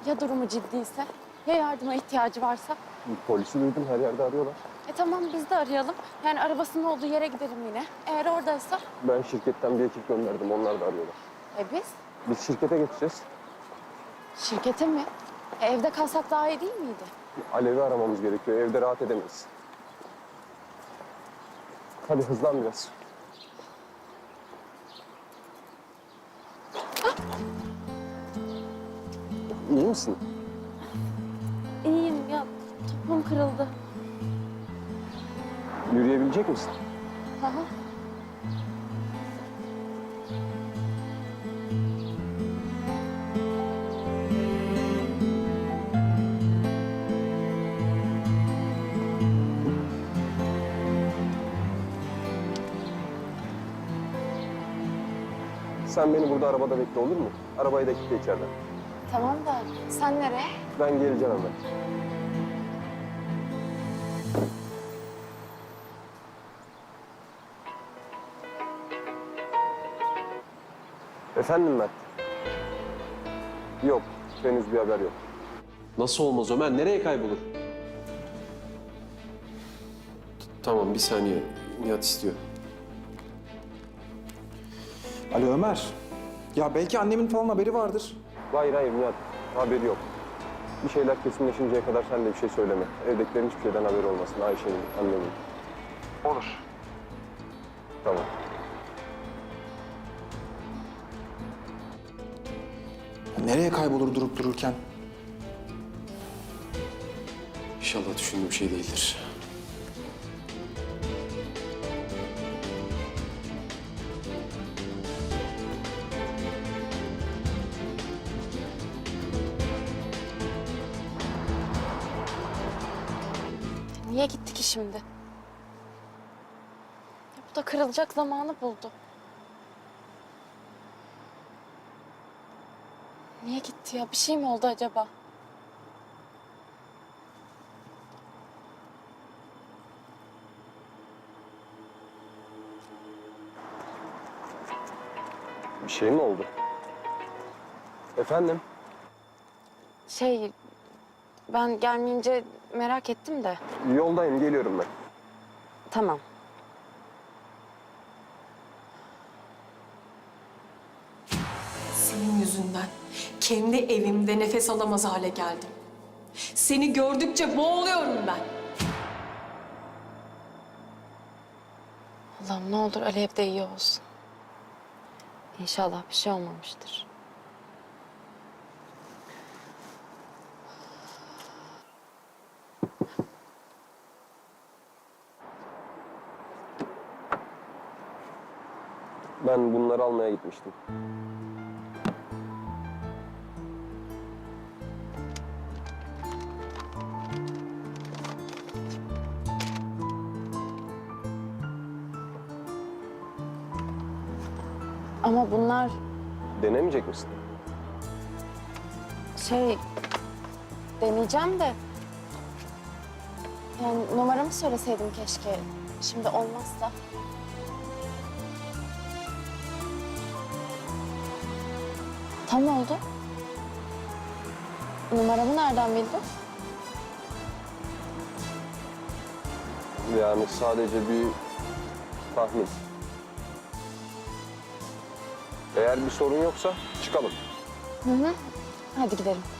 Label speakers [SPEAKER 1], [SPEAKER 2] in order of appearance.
[SPEAKER 1] Ya durumu ciddiyse? Ya yardıma ihtiyacı varsa?
[SPEAKER 2] Polisi duydum, her yerde arıyorlar.
[SPEAKER 1] Tamam biz de arayalım. Yani arabasının olduğu yere gidelim yine. Eğer oradaysa?
[SPEAKER 2] Ben şirketten bir ekip gönderdim, onlar da arıyorlar.
[SPEAKER 1] Biz?
[SPEAKER 2] Biz şirkete geçeceğiz.
[SPEAKER 1] Şirkete mi? Evde kalsak daha iyi değil miydi?
[SPEAKER 2] Alev'i aramamız gerekiyor, evde rahat edemeyiz. Hadi hızlan biraz. İyi misin?
[SPEAKER 1] İyiyim ya. Topuğum kırıldı.
[SPEAKER 2] Yürüyebilecek misin?
[SPEAKER 1] Hı hı.
[SPEAKER 2] Sen beni burada arabada bekle, olur mu? Arabayı da kilitle içeriden.
[SPEAKER 1] Tamam da sen nereye?
[SPEAKER 2] Ben geleceğim hemen. Efendim Mert? Yok, henüz bir haber yok.
[SPEAKER 3] Nasıl olmaz Ömer? Nereye kaybolur? Tamam, bir saniye. Nihat istiyor.
[SPEAKER 4] Alo Ömer. Ya belki annemin falan haberi vardır.
[SPEAKER 2] Hayır Nihat, haberi yok. Bir şeyler kesinleşinceye kadar sen de bir şey söyleme. Evdekilerin hiçbir şeyden haberi olmasın, Ayşe'nin, annemin.
[SPEAKER 4] Olur.
[SPEAKER 2] Tamam.
[SPEAKER 4] Nereye kaybolur durup dururken?
[SPEAKER 3] İnşallah düşündüğüm şey değildir.
[SPEAKER 1] Niye gitti ki şimdi? Bu da kırılacak zamanı buldu. Niye gitti ya? Bir şey mi oldu acaba?
[SPEAKER 2] Bir şey mi oldu? Efendim?
[SPEAKER 1] Ben gelmeyince merak ettim de.
[SPEAKER 2] Yoldayım, geliyorum ben.
[SPEAKER 1] Tamam.
[SPEAKER 5] Senin yüzünden kendi evimde nefes alamaz hale geldim. Seni gördükçe boğuluyorum ben.
[SPEAKER 1] Allah'ım ne olur Alev de iyi olsun. İnşallah bir şey olmamıştır.
[SPEAKER 2] Ben bunları almaya gitmiştim.
[SPEAKER 1] Ama bunlar
[SPEAKER 2] Denemeyecek misin?
[SPEAKER 1] deneyeceğim de. Yani numaramı söyleseydim keşke. Şimdi olmazsa. Tam oldu. Numaramı nereden bildin?
[SPEAKER 2] Yani sadece bir tahmin. Eğer bir sorun yoksa çıkalım.
[SPEAKER 1] Hı hı. Hadi gidelim.